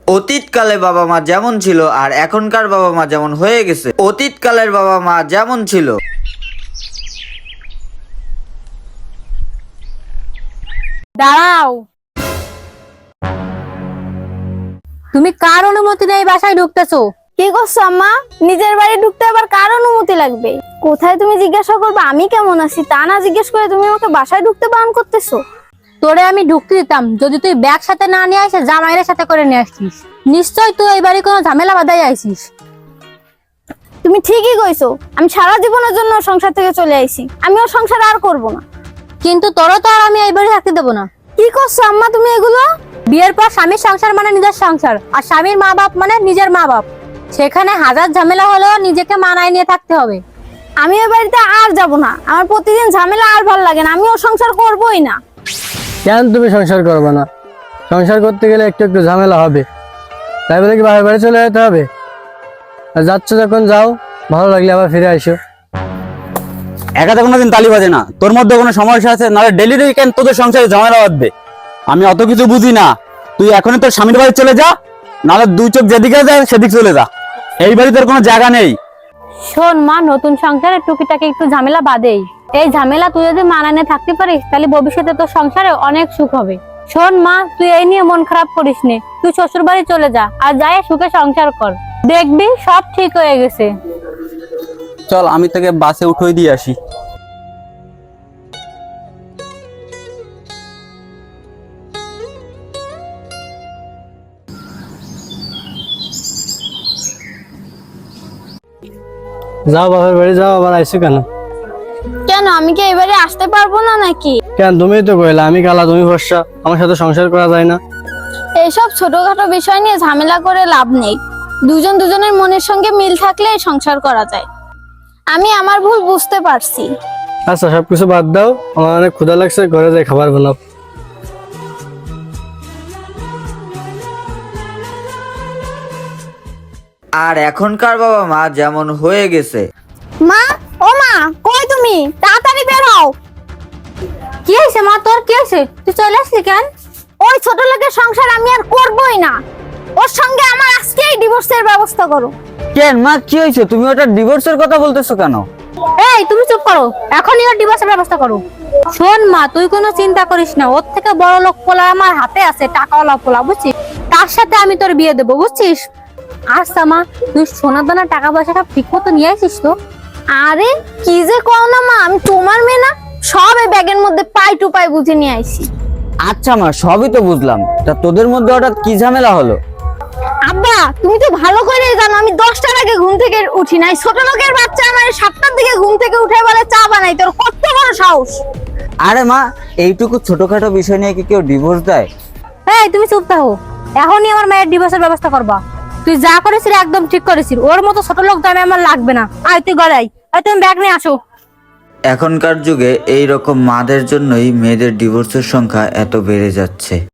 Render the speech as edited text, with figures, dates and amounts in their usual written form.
অতীতকালে বাবা মা যেমন ছিল আর এখনকার বাবা মা যেমন হয়ে গেছে। অতীতকালের বাবা মা যেমন ছিল, দাঁড়াও, তুমি কার অনুমতি নেই বাসায় ঢুকতেছো? কি করছো আম্মা? নিজের বাড়ি ঢুকতে আবার কার অনুমতি লাগবে? কোথায় তুমি জিজ্ঞাসা করবে আমি কেমন আছি তা না জিজ্ঞেস করে তুমি আমাকে বাসায় ঢুকতে বারণ করতেছো? তোরে আমি ঢুকতে দিতাম যদি তুই ব্যাগ সাথে না নিয়ে আসে জামাইয়ের সাথে করে নিয়ে আসছিস। নিশ্চয় তুই এই বাড়ি কোনো ঝামেলা বাঁধাই আইছিস। তুমি ঠিকই কইছো, আমি সারা জীবনের জন্য সংসার থেকে চলে আইছি, আমি ওর সংসার আর করব না। কিন্তু তোরও তো আর আমি এই বাড়ি থাকতে দেবো না। কি করছো আম্মা তুমি এগুলো? বিয়ের পর স্বামীর সংসার মানে নিজের সংসার, আর স্বামীর মা বাপ মানে নিজের মা বাপ। সেখানে হাজার ঝামেলা হলেও নিজেকে মানায় নিয়ে থাকতে হবে। আমি ওই বাড়িতে আর যাব না, আমার প্রতিদিন ঝামেলা আর ভালো লাগে না, আমি ওর সংসার করবই না। কেন তুমি সংসার করবে না? সংসার করতে গেলে একটু একটু ঝামেলা হবে, তাই বলে কি বাপের বাড়ি চলে যেতে হবে? আর যাচ্ছ যখন যাও, ভালো লাগলে আবার ফিরে আসো। একাতে কোনোদিন তালি বাজে না, তোর মধ্যে কোনো সমস্যা আছে নাহলে ডেলি ডেলি কেন তোদের সংসারে ঝামেলা বাঁধবে? আমি অত কিছু বুঝি না, তুই এখনই তোর স্বামীর বাড়ি চলে যা, নাহলে দুই চোখ যেদিকে যায় সেদিক চলে যা, এই বাড়ি তোর কোনো জায়গা নেই। শোন মা, নতুন সংসারে টুকিটাকি একটু ঝামেলা বাদেই। এই ঝামেলা তুই যদি মানায় থাকতে পারিস তাহলে ভবিষ্যতে তোর সংসারে অনেক সুখ হবে। শোন মা, তুই এই নিয়ে মন খারাপ করিস নে, তুই শ্বশুর বাড়ি চলে যা আর যাই সুখে সংসার কর, দেখবি সব ঠিক হয়ে গেছে। চল আমি তোকে বাসে উঠোই দিয়ে আসি। যাও বাপের বাড়ি যাও, আবার আইসো কেন? কেন, আমি কি এবারে আসতে পারবো না নাকি? কেন, তুমিই তো কইলা আমি কালা তুমি ফর্সা, আমার সাথে সংসার করা যায় না? এইসব ছোটখাটো বিষয় নিয়ে ঝামেলা করে লাভ নেই, দুজন দুজনের মনের সঙ্গে মিল থাকলে সংসার করা যায়। আমি আমার ভুল বুঝতে পারছি। আচ্ছা সবকিছু বাদ দাও, আমার অনেক ক্ষুধা লাগছে, ঘরে যাই খাবার বানাও। আর এখনকার বাবা মা যেমন হয়ে গেছে। মা, ও মা, কই তুমি? তাড়াতাড়ি বের হও। কি হয়েছে মা, তোর কি হয়েছে? তুই চলে আসলি কেন? ওই ছোট লোকের সংসার আমি আর করবই না, ওর সঙ্গে আমার আজকেই ডিভোর্সের ব্যবস্থা করো। কেন মা, কি হয়েছে? তুমি ওটা ডিভোর্সের কথা বলতেছো কেন? এই তুমি চুপ করো, এখনই ওর ডিভোর্সের ব্যবস্থা করো। শোন মা, তুই কোনো চিন্তা করিস না, ওর থেকে বড় লোক পোলা আমার হাতে আছে, টাকাওয়ালা পোলা, বুঝছিস? তার সাথে আমি তোর বিয়ে দেবো, বুঝছিস? আচ্ছা মা, তুই সোনা দানা টাকা পয়সা সব ঠিক মতো নিয়ে আসিস তো? আরে কি যে কও না মা, আমি তোমার মেয়ে না? সব এই ব্যাগের মধ্যে পাই টু পাই বুঝে নিয়ে আইছি। আচ্ছা মা, সবই তো বুঝলাম, তা তোদের মধ্যে হঠাৎ কি ঝামেলা হলো? আব্বা, তুমি তো ভালো করেই জানো আমি 10টার আগে ঘুম থেকে উঠি নাই। ছোট লোকের বাচ্চা আমার 7টার দিকে ঘুম থেকে উঠে বলে চা বানাই, তোর কত বড় সাহস! আরে মা, এইটুকু ছোটখাটো বিষয় নিয়ে কি কেউ ডিভোর্স দেয়? এই তুমি চুপ থাকো, এখনই আমার মায়ের ডিভোর্সের ব্যবস্থা করবা। তুই যা করেছিস একদম ঠিক করেছিস, ওর মতো ছোট লোক দামে আমার লাগবে না। আয় তুই গড়াই, আয় তুমি ব্যাগ নিয়ে আসো। এখনকার যুগে এই রকম মাদের জন্যই মেয়েদের ডিভোর্সের সংখ্যা এত বেড়ে যাচ্ছে।